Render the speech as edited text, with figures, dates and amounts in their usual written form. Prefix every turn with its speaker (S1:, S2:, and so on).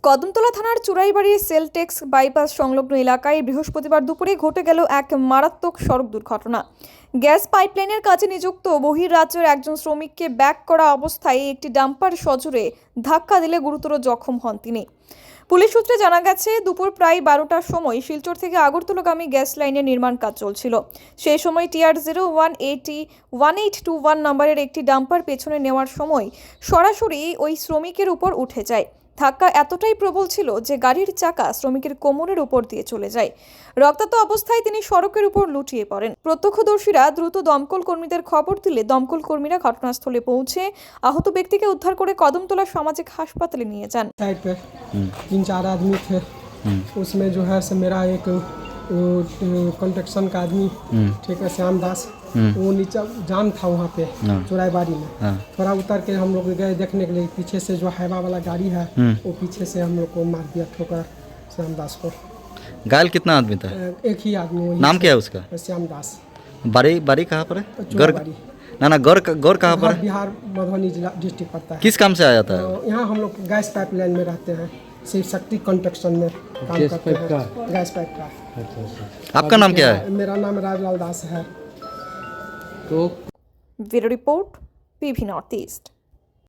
S1: কদমতলা থানার চুরাইবাড়ির Celtex bypass সংলগ্ন এলাকায় বৃহস্পতিবার দুপুরে ঘটে গেল এক মারাত্মক সড়ক দুর্ঘটনা। গ্যাস পাইপলাইনের কাজে নিযুক্ত বহির্রাজ্যের একজন শ্রমিককে ব্যাক করা অবস্থায় একটি ডাম্পার সজোরে ধাক্কা দিলে গুরুতর জখম হন তিনি। পুলিশ সূত্রে জানা গেছে, দুপুর প্রায় 12টার সময় শিলচর থেকে আগরতলাগামী গ্যাস লাইনের নির্মাণ কাজ চলছিল। সেই সময় TR01801821 নম্বরের একটি ডাম্পার পেছনে নেওয়ার সময় সরাসরি ওই শ্রমিকের উপর উঠে যায়। ধাক্কা এতটাই প্রবল ছিল যে গাড়ির চাকা শ্রমিকের কোমরের উপর দিয়ে চলে যায়। রক্তাক্ত অবস্থায় তিনি সড়কের উপর লুটিয়ে পড়েন। প্রত্যক্ষদর্শীরা দ্রুত দমকল কর্মীদের খবর দিলে দমকল কর্মীরা ঘটনাস্থলে পৌঁছে আহত ব্যক্তিকে উদ্ধার করে কদমতলা সামাজিক হাসপাতালে নিয়ে যান।
S2: साइड पे 3-4 आदमी थे। उसमें जो है मेरा एक कंस्ट्रक्शन का आदमी, ठीक है, श्याम दास, वो नीचे जाम था वहाँ पे चुराईबाड़ी में। थोड़ा उतर के हम लोग गए देखने के लिए, पीछे से जो हाईवा वाला गाड़ी है वो पीछे से हम लोग को मार दिया ठोकर श्याम दास को।
S3: घायल कितना आदमी था?
S2: एक ही आदमी।
S3: नाम क्या है उसका?
S2: श्याम दास।
S3: बारी कहाँ पर है?
S2: चुराईबाड़ी।
S3: ना गौर कहाँ पर है?
S2: बिहार मधुबनी जिला डिस्ट्रिक्ट पड़ता है।
S3: किस काम से आया था?
S2: यहाँ हम लोग गैस पाइपलाइन में रहते हैं, शिव शक्ति कंस्ट्रक्शन में काम करते हैं। गैस पाइप का।
S3: आपका नाम क्या है?
S2: मेरा नाम राजलाल दास है।
S1: Bureau report, PV north east.